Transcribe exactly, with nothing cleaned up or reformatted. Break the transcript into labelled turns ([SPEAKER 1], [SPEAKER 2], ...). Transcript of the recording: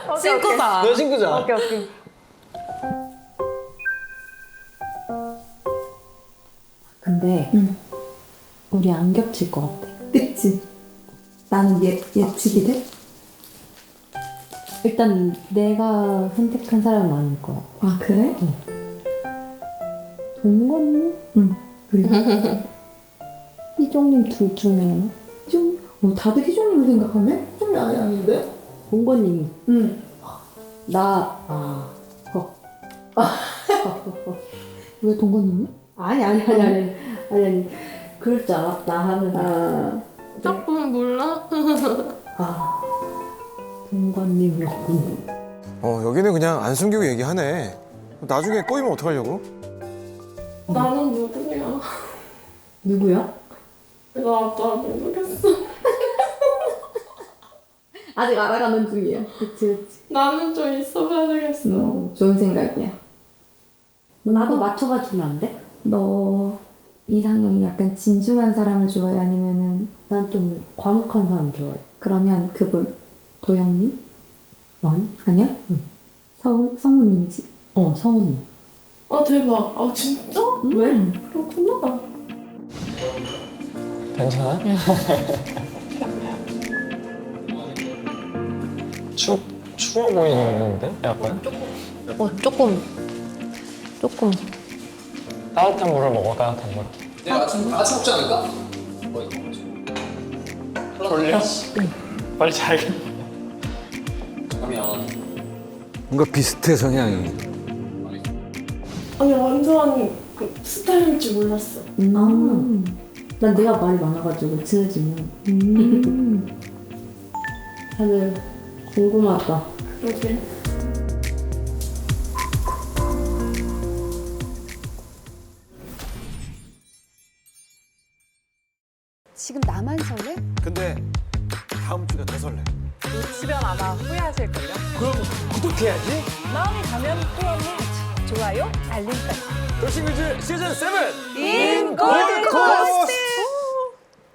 [SPEAKER 1] 친구다.
[SPEAKER 2] 너 친구잖아.
[SPEAKER 3] 오케이 오케이.
[SPEAKER 4] 근데
[SPEAKER 5] 응.
[SPEAKER 4] 우리 안 겹칠 것 같아.
[SPEAKER 5] 그치? 나는 예, 예측이 돼?
[SPEAKER 4] 일단 내가 선택한 사람은 아닐 거야.
[SPEAKER 5] 아 그래?
[SPEAKER 4] 동건님?
[SPEAKER 5] 응. 그리고
[SPEAKER 4] 희종님 둘 중에 하나?
[SPEAKER 5] 희종? 어, 다들 희종님을 생각하네? 희종이 아니 아닌데?
[SPEAKER 4] 동건님이.
[SPEAKER 5] 응.
[SPEAKER 4] 나, 아, 어.
[SPEAKER 5] 왜 동건님이?
[SPEAKER 4] 아니, 아니, 아니, 아니. 아니, 아니. 그럴 줄 알았다 하면.
[SPEAKER 5] 아
[SPEAKER 1] 조금 몰라?
[SPEAKER 4] 아, 동건님이었군.
[SPEAKER 2] 어 여기는 그냥 안 숨기고 얘기하네. 나중에 꼬이면 어떡하려고?
[SPEAKER 1] 나는 누구야?
[SPEAKER 4] 누구야?
[SPEAKER 1] 나, 나 모르겠어.
[SPEAKER 5] 아직 알아가는 중이야.
[SPEAKER 4] 그치, 그치.
[SPEAKER 1] 나는 좀 있어봐야 되겠어.
[SPEAKER 5] 음, 좋은 생각이야.
[SPEAKER 4] 나도 맞춰봐 주면 안 돼?
[SPEAKER 5] 너 이상형이 약간 진중한 사람을 좋아해? 아니면은
[SPEAKER 4] 난 좀 과묵한 사람 좋아해.
[SPEAKER 5] 그러면 그분 도영님?
[SPEAKER 4] 아니?
[SPEAKER 5] 아니야?
[SPEAKER 4] 응.
[SPEAKER 5] 성, 성우님이지?
[SPEAKER 4] 어, 성훈이.
[SPEAKER 1] 아, 대박. 아, 진짜?
[SPEAKER 5] 왜?
[SPEAKER 1] 그렇구나.
[SPEAKER 6] 괜찮아? 추, 추워 보이는데? 약간?
[SPEAKER 1] 어, 조금. 조금.
[SPEAKER 6] 따뜻한 물을 먹어, 따뜻한 물.
[SPEAKER 2] 내가 아침 아침 먹지 않을까?
[SPEAKER 6] 졸려? 빨리 자야겠다.
[SPEAKER 2] 그러면 뭔가 비슷해 성향이.
[SPEAKER 1] 아니, 완전 그 스타일일 줄 몰랐어.
[SPEAKER 4] 음. 난 내가 말이 많아가지고 친해지면.
[SPEAKER 5] 음.
[SPEAKER 4] 다들 궁금하다.
[SPEAKER 1] 그러게.
[SPEAKER 7] 지금 나만 설레?
[SPEAKER 2] 근데 다음 주가 더 설레.
[SPEAKER 3] 놓치면 아마 후회하실걸요?
[SPEAKER 2] 그럼 구독해야지.
[SPEAKER 3] 마음이 가면 또 언니 좋아요, 알림까지.
[SPEAKER 2] 돌싱글즈 시즌 세븐
[SPEAKER 3] 인 골드 코스트!